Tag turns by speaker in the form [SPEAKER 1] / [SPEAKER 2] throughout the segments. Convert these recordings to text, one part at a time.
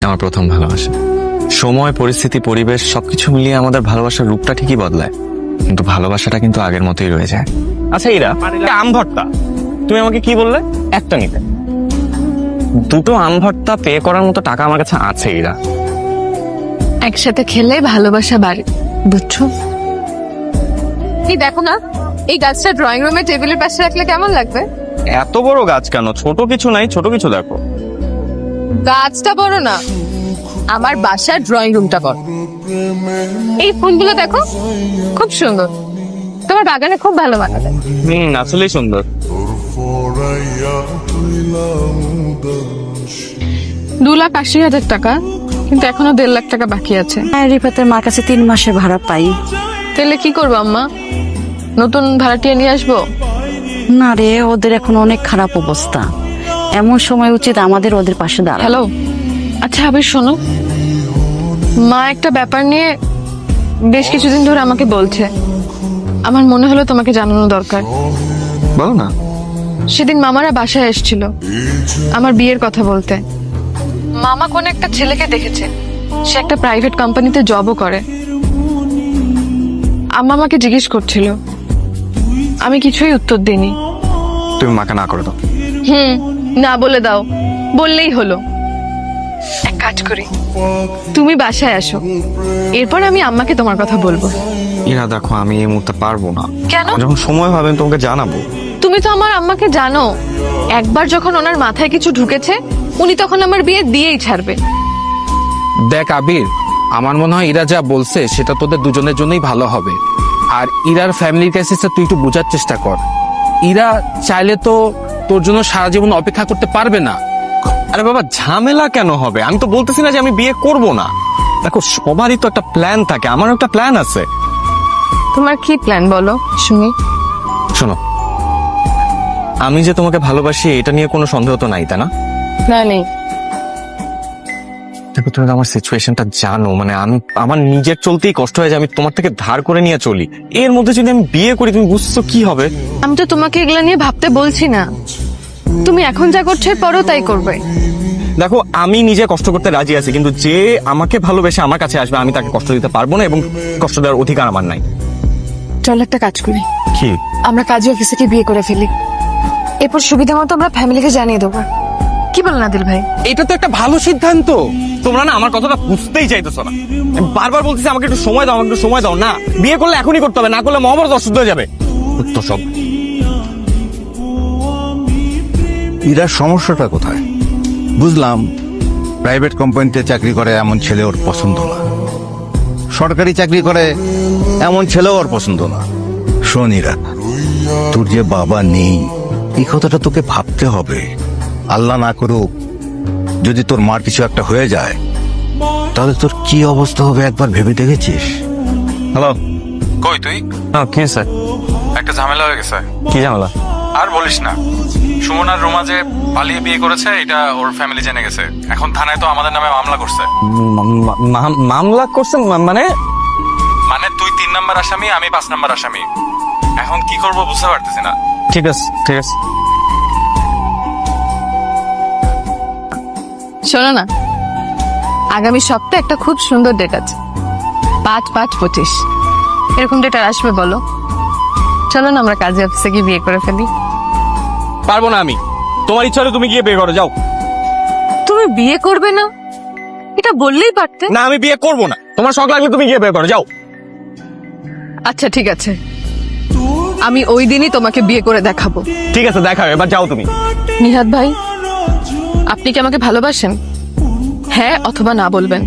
[SPEAKER 1] আমার প্রথম ভালোবাসা। সময়, পরিস্থিতি, পরিবেশ সবকিছু মিলিয়ে আমাদের ভালোবাসার রূপটা ঠিকই বদলায়, কিন্তু ভালোবাসাটা কিন্তু আগের মতোই রয়ে যায়। আচ্ছা ইরা, আম ভর্তা তুমি আমাকে কি বললে একটা নিতে? দুটো আম ভর্তা পে করার মতো টাকা আমার কাছে আছে ইরা।
[SPEAKER 2] একসাথে খেলে ভালোবাসা বাড়ে, বুঝছো? এই দেখো না, এই গাছটা ড্রয়িং রুমে টেবিলের পাশে রাখলে কেমন লাগবে?
[SPEAKER 1] এত বড় গাছ কেন? ছোট কিছু নাই, ছোট কিছু দেখো।
[SPEAKER 2] গাছটা বড় না, আমার বাসার ড্রয়িং রুমটা বড়। এই ফুলগুলো দেখো, খুব সুন্দর। তোমার বাগানে খুব ভালো মানাবে।
[SPEAKER 1] আসলেই সুন্দর।
[SPEAKER 2] $2,80,000 টাকা, কিন্তু এখনো $1.5 লাখ টাকা বাকি আছে।
[SPEAKER 3] রিফাতের মার কাছে 3 মাসের ভাড়া পাই।
[SPEAKER 2] তাহলে কি করবো আম্মা? নতুন ভাড়াটিয়া নিয়ে আসবো?
[SPEAKER 3] না রে, ওদের এখন অনেক খারাপ অবস্থা। এমন সময় উচিত আমাদের ওদের পাশে দাঁড়ানো।
[SPEAKER 2] হ্যালো, আচ্ছা আবির শোনো, মা একটা ব্যাপার নিয়ে বেশ কিছুদিন ধরে আমাকে বলছে। আমার মনে হলো তোমাকে জানানো দরকার।
[SPEAKER 1] বলো না।
[SPEAKER 2] সেদিন মামারা বাসায় এসেছিল আমার বিয়ের কথা বলতে। মামা কোন একটা ছেলেকে দেখেছে, সে একটা প্রাইভেট কোম্পানিতে জবও করে। আম্মা আমাকে জিজ্ঞেস করছিল, আমি কিছুই উত্তর দিইনি।
[SPEAKER 1] তুমি মাকে না করে দাও।
[SPEAKER 2] না বলে দাও, বললেই হলো। এক কাজ করি, তুমি বাসায় আসো, এরপর আমি আম্মাকে তোমার কথা বলবো।
[SPEAKER 1] ইরা দেখো, আমি এই মুহূর্তে পারবো না।
[SPEAKER 2] কেন?
[SPEAKER 1] যখন সময় হবে আমি তোমাকে জানাবো।
[SPEAKER 2] তুমি তো আমার আম্মাকে জানো, একবার যখন ওনার মাথায় কিছু ঢুকেছে উনি তখন আমার বিয়ে দিয়েই ছাড়বে।
[SPEAKER 4] দেখ আবির, আমার মনে হয় ইরা যা বলছে সেটা তোদের দুজনের জন্যই ভালো হবে। আর ইরার ফ্যামিলির কাছে তুই একটু বোঝার চেষ্টা কর। ইরা চাইলে তো তোর জন্য সারা জীবন অপেক্ষা করতে পারবে না।
[SPEAKER 1] আরে বাবা, ঝামেলা কেন হবে? আমি তো বলতেছি না যে আমি বিয়ে করব না। দেখো, সবারই তো একটা প্ল্যান থাকে, আমারও একটা প্ল্যান আছে।
[SPEAKER 2] তোমার কি প্ল্যান বলো শুনি।
[SPEAKER 1] শোনো, আমি যে তোমাকে ভালোবাসি এটা নিয়ে কোনো সন্দেহ তো নাই, তাই না?
[SPEAKER 2] না, নেই।
[SPEAKER 1] দেখো, তুমি তো আমার সিচুয়েশনটা জানো। মানে আমি আমার নিজের চলতেই কষ্ট হয়ে যায়, আমি তোমার থেকে ধার করে নিয়ে চলি। এর মধ্যে যদি আমি বিয়ে করি, তুমি বুঝছো কি হবে?
[SPEAKER 2] আমি তো তোমাকে এগুলা নিয়ে ভাবতে বলছি না, তুমি এখন যা করছো পরও তাই করবে।
[SPEAKER 1] দেখো, আমি নিজে কষ্ট করতে রাজি আছি, কিন্তু যে আমাকে ভালোবেসে আমার কাছে আসবে আমি তাকে কষ্ট দিতে পারবো না, এবং কষ্ট দেওয়ার অধিকার আমার নাই।
[SPEAKER 2] চল একটা কাজ করি,
[SPEAKER 1] কি?
[SPEAKER 2] আমরা কাজী অফিসে বিয়ে করে ফেলি, এরপর সুবিধা মতো আমরা ফ্যামিলিকে জানিয়ে দেবো। কি বলেন আদিল ভাই?
[SPEAKER 4] এটা তো একটা ভালো সিদ্ধান্ত।
[SPEAKER 1] তোমরা না আমার কথাটা বুঝতেই চাইতেছো না। আমি বারবার বলতেছি আমাকে একটু সময় দাও, আমাকে একটু সময় দাও। না, বিয়ে করলে এখনই করতে হবে, না করলে মহাভারত অশুদ্ধ হয়ে যাবে। তো সব
[SPEAKER 5] ইরার সমস্যাটা কোথায়? বুঝলাম, প্রাইভেট কোম্পানিতে চাকরি করে এমন ছেলে ওর পছন্দ না, সরকারি চাকরি করে এমন ছেলেও ওর পছন্দ না। শোন ইরা, তোর যে বাবা নেই এই কথাটা তোকে ভাবতে হবে। আল্লাহ না করুক যদি তোর মার কিছু একটা হয়ে যায়, তাহলে তোর কি অবস্থা হবে একবার ভেবে দেখেছিস?
[SPEAKER 1] হ্যালো।
[SPEAKER 6] কই তুই?
[SPEAKER 1] কি স্যার?
[SPEAKER 6] একটা ঝামেলা হয়ে গেছে।
[SPEAKER 1] কি ঝামেলা?
[SPEAKER 6] আর বলিস না, সুমন আর রোমা যে পালিয়ে বিয়ে করেছে এটা ওর ফ্যামিলি জেনে গেছে। এখন থানায় তো আমাদের নামে মামলা করছে।
[SPEAKER 1] মামলা করছেন?
[SPEAKER 6] মানে তুই 3 নাম্বার আসামি, আমি 5 নাম্বার আসামি। এখন কি করব বুঝতে পারতেছি না।
[SPEAKER 1] ঠিক আছে, ঠিক আছে।
[SPEAKER 2] শোনো না, আগামী সপ্তাহে একটা খুব সুন্দর ডেট আছে, 5/5/25। এরকম ডেট আর আসবে বলো? চলো না আমরা কাজী অফিসে গিয়ে বিয়ে করে ফেলি।
[SPEAKER 1] পারবো না আমি। তোমার ইচ্ছা হলে তুমি গিয়ে বিয়ে করো, যাও।
[SPEAKER 2] তুমি বিয়ে করবে না এটা বললেই পারতে।
[SPEAKER 1] না, আমি বিয়ে করবো না। তোমার শখ লাগলে তুমি গিয়ে বিয়ে করো, যাও।
[SPEAKER 2] আচ্ছা ঠিক আছে, আমি ওই দিনই তোমাকে বিয়ে করে দেখাবো।
[SPEAKER 1] ঠিক আছে, দেখাও, এবার যাও তুমি।
[SPEAKER 2] নিহাদ ভাই, আপনি কি আমাকে ভালোবাসেন? হ্যাঁ অথবা না বলবেন।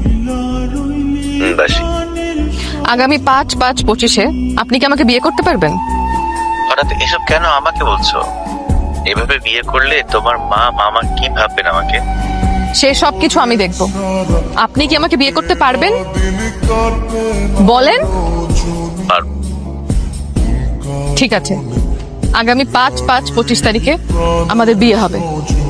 [SPEAKER 2] আগামী 5/5/25 আপনি কি আমাকে বিয়ে করতে পারবেন?
[SPEAKER 7] হঠাৎ এসব কেন আমাকে বলছো? এভাবে বিয়ে করলে তোমার মা মামা কি ভাববেন আমাকে?
[SPEAKER 2] সে সব কিছু আমি দেখব। আপনি কি আমাকে বিয়ে করতে পারবেন বলেন?
[SPEAKER 7] পারবো।
[SPEAKER 2] ঠিক আছে, আগামী 5/5/25 তারিখে আমাদের বিয়ে হবে।